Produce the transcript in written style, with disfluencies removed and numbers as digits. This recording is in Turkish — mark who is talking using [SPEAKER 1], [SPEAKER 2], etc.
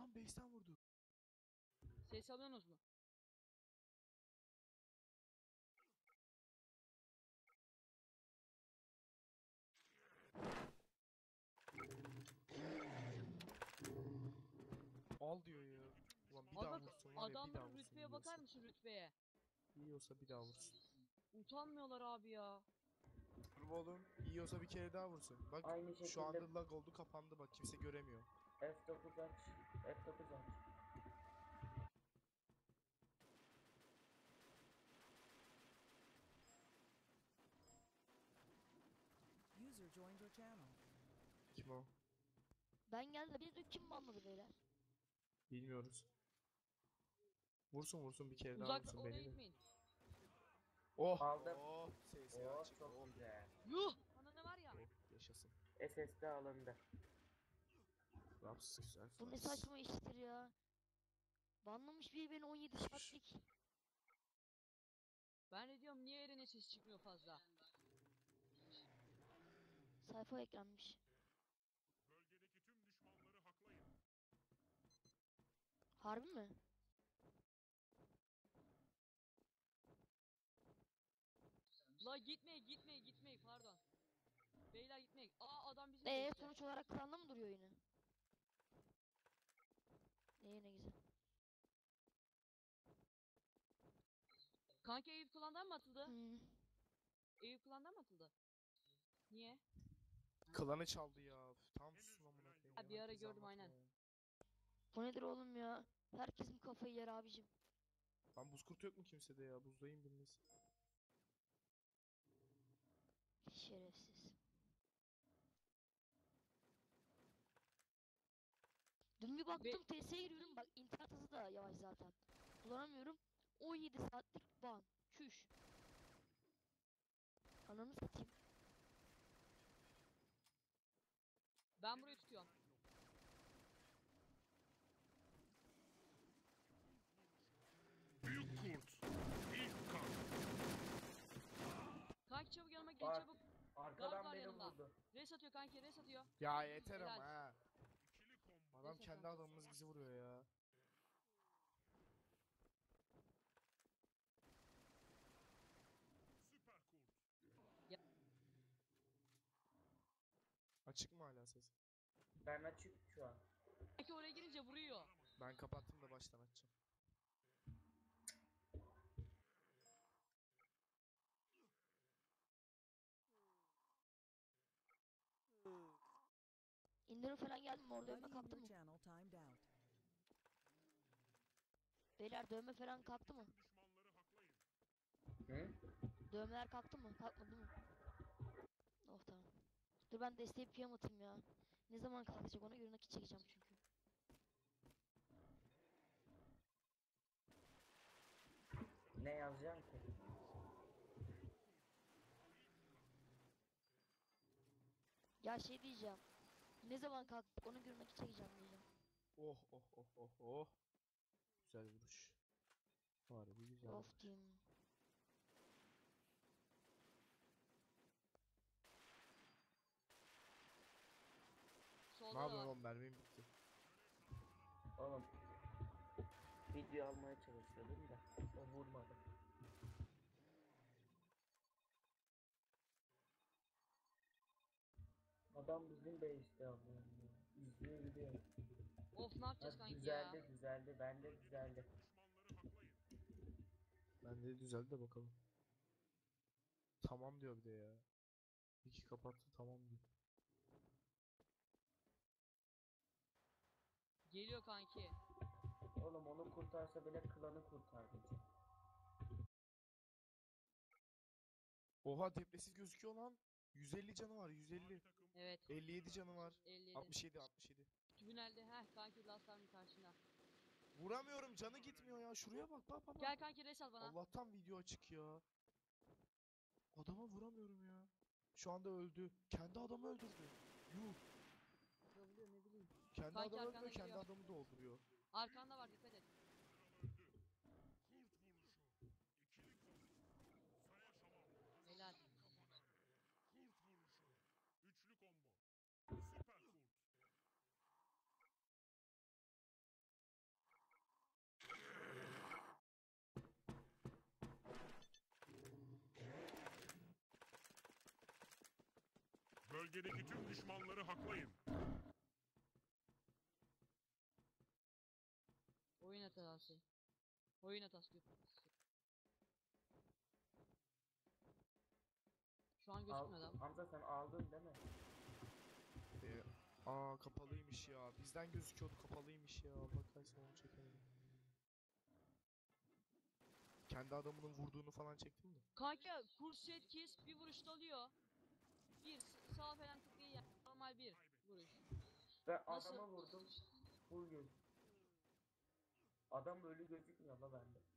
[SPEAKER 1] Lan base'ten vurdu.
[SPEAKER 2] Ses alıyorsunuz mu?
[SPEAKER 1] Al diyor ya. Ulan bir daha
[SPEAKER 2] Aga
[SPEAKER 1] vursun var ya, bir daha
[SPEAKER 2] adamların
[SPEAKER 1] vursun
[SPEAKER 2] rütbeye bakar
[SPEAKER 1] yiyorsa.
[SPEAKER 2] mısın rütbeye?
[SPEAKER 1] Yiyorsa bir daha vursun.
[SPEAKER 2] Utanmıyorlar abi ya.
[SPEAKER 1] Dur oğlum. Yiyorsa bir kere daha vursun. Bak
[SPEAKER 3] Aynı
[SPEAKER 1] şu
[SPEAKER 3] şekilde
[SPEAKER 1] anda lag oldu, kapandı, bak kimse göremiyor.
[SPEAKER 3] F9 aç. F9 aç.
[SPEAKER 4] User joined your channel.
[SPEAKER 1] Kim o?
[SPEAKER 5] Ben geldim. Bir de kim banladı beyler?
[SPEAKER 1] Bilmiyoruz. Vursun vursun bir kere daha
[SPEAKER 2] Uzak
[SPEAKER 1] vursun
[SPEAKER 2] oraya
[SPEAKER 1] beni de.
[SPEAKER 2] gitmeyin.
[SPEAKER 1] Oh!
[SPEAKER 3] Aldım.
[SPEAKER 1] Oh! SS'ye
[SPEAKER 3] Oo
[SPEAKER 1] açık.
[SPEAKER 3] çok
[SPEAKER 1] Oh!
[SPEAKER 3] güzel.
[SPEAKER 2] Yuh! Ana ne var ya?
[SPEAKER 1] Oh! Yaşasın.
[SPEAKER 3] SSD alındı.
[SPEAKER 1] Raps güzel.
[SPEAKER 5] Bu ne
[SPEAKER 1] Raps.
[SPEAKER 5] saçma iştir ya. Banlamış biri beni 17 saatlik.
[SPEAKER 2] Ben de diyorum niye Eren'e ses çıkmıyor fazla?
[SPEAKER 5] Sayfa eklenmiş. Harbi mi?
[SPEAKER 2] La gitmeyin pardon. Beyler gitmeyin. Aa adam bizim base'te.
[SPEAKER 5] Sonuç olarak klanda mı duruyor yine? Ne güzel.
[SPEAKER 2] Kanka Eyüp klandan mı atıldı?
[SPEAKER 5] Hmm.
[SPEAKER 2] Eyüp klandan mı atıldı? Niye?
[SPEAKER 1] Klanı çaldı ya. Üf, tam susun amına koyayım.
[SPEAKER 2] Ha, bir ara
[SPEAKER 1] Herkese
[SPEAKER 2] gördüm,
[SPEAKER 1] anlatma
[SPEAKER 2] aynen.
[SPEAKER 1] ya.
[SPEAKER 5] Bu nedir oğlum ya? Herkesin kafayı yer abicim.
[SPEAKER 1] Lan buz kurtu yok mu kimsede ya? Buzdayım biriniz.
[SPEAKER 5] Şerefsiz. Dün bir baktım TS'ye giriyorum, bak internet hızı da yavaş zaten. Kullanamıyorum. 17 saatlik ban. Çüş. Ananı satayım.
[SPEAKER 2] Ben burayı tutuyorum.
[SPEAKER 6] Büyük kurt. İlk kan.
[SPEAKER 2] Kanki çabuk yanıma gelin
[SPEAKER 3] Bak.
[SPEAKER 2] çabuk.
[SPEAKER 3] Arkadan
[SPEAKER 2] var
[SPEAKER 3] beni
[SPEAKER 2] yanımda.
[SPEAKER 3] vurdu.
[SPEAKER 2] Res atıyor kanki, res atıyor.
[SPEAKER 1] Ya yeter
[SPEAKER 2] Helal.
[SPEAKER 1] ama ha.
[SPEAKER 6] İkili combo.
[SPEAKER 1] Adam
[SPEAKER 2] Neyse,
[SPEAKER 1] kendi
[SPEAKER 2] tamam.
[SPEAKER 1] adamımız bizi vuruyor ya.
[SPEAKER 6] Süper kurt.
[SPEAKER 1] Açık mı hala ses?
[SPEAKER 3] Ben açık şu an.
[SPEAKER 2] Kanki oraya girince vuruyor.
[SPEAKER 1] Ben kapattım da baştan açacağım.
[SPEAKER 5] İndirim falan geldi mi? Orada dövme
[SPEAKER 4] Buddy in
[SPEAKER 5] kalktı
[SPEAKER 4] your
[SPEAKER 5] mı?
[SPEAKER 4] channel timed out.
[SPEAKER 5] Beyler dövme falan kalktı mı?
[SPEAKER 3] Hı?
[SPEAKER 5] Dövmeler kalktı mı? Kalkmadı mı? Oh tamam. Dur ben desteği piyam atayım ya. Ne zaman kalkacak ona göre nakit çekeceğim çünkü.
[SPEAKER 3] Ne yazacağım ki?
[SPEAKER 5] Ya şey diyeceğim. Ne zaman kalkacak ona göre nakit çekeceğim diyeceğim.
[SPEAKER 1] Oh oh oh oh oh. Güzel vuruş. Harbi güzel
[SPEAKER 5] Of
[SPEAKER 1] vuruş.
[SPEAKER 5] diyeyim.
[SPEAKER 1] Ne
[SPEAKER 2] Solda da
[SPEAKER 1] yapıyorsun
[SPEAKER 2] var.
[SPEAKER 1] oğlum, mermim bitti.
[SPEAKER 3] Oğlum. Video almaya çalışıyordum da. O vurmadı.
[SPEAKER 2] Adam
[SPEAKER 3] bizim base'de alıyor. İzliyor gidiyor.
[SPEAKER 2] Of ne yapacağız
[SPEAKER 3] Ha,
[SPEAKER 2] kanki
[SPEAKER 3] düzeldi
[SPEAKER 2] ya?
[SPEAKER 3] düzeldi. Bende düzeldi.
[SPEAKER 1] Ben de düzeldi de bakalım. Tamam diyor bir de ya. İki kapattı tamam diyor.
[SPEAKER 2] Geliyor kanki.
[SPEAKER 3] Oğlum onu kurtarsa bile klanı kurtardı.
[SPEAKER 1] Oha, depresiz gözüküyor lan. 150 canı var, 150.
[SPEAKER 2] Evet.
[SPEAKER 1] 57 canı var.
[SPEAKER 2] 57.
[SPEAKER 1] 67 67.
[SPEAKER 2] Tünelde kanki lastarın karşında.
[SPEAKER 1] Vuramıyorum, canı gitmiyor ya. Şuraya bak bak bak.
[SPEAKER 2] Gel kanki res al bana.
[SPEAKER 1] Allah'tan video açık ya. Adama vuramıyorum ya. Şu anda öldü. Kendi adamı öldürdü. Yuh.
[SPEAKER 2] Vurabiliyor ne bileyim.
[SPEAKER 1] Kendi
[SPEAKER 2] Kanki
[SPEAKER 1] adamı
[SPEAKER 2] arkanda
[SPEAKER 1] öldürüyor, kendi
[SPEAKER 2] geliyor.
[SPEAKER 1] adamı dolduruyor.
[SPEAKER 2] Arkanda var, dikkat et.
[SPEAKER 6] Bölgedeki tüm düşmanları haklayın.
[SPEAKER 2] Oyun hatası. Oyun hatası. Şu an gözükmüyor adam.
[SPEAKER 3] Hamza sen aldın değil mi?
[SPEAKER 1] Kapalıymış ya. Bizden gözüküyordu, kapalıymış ya. Allah kahretsin, onu çekemedim. Kendi adamının vurduğunu falan çektin mi?
[SPEAKER 2] Kanka kurset kes bir vuruşta alıyor. Bir sağ falan tıklayı yani normal bir vuruş.
[SPEAKER 3] Ve
[SPEAKER 2] Nasıl?
[SPEAKER 3] adama vurdum. Full göz. Adam ölü gözükmüyor la bende.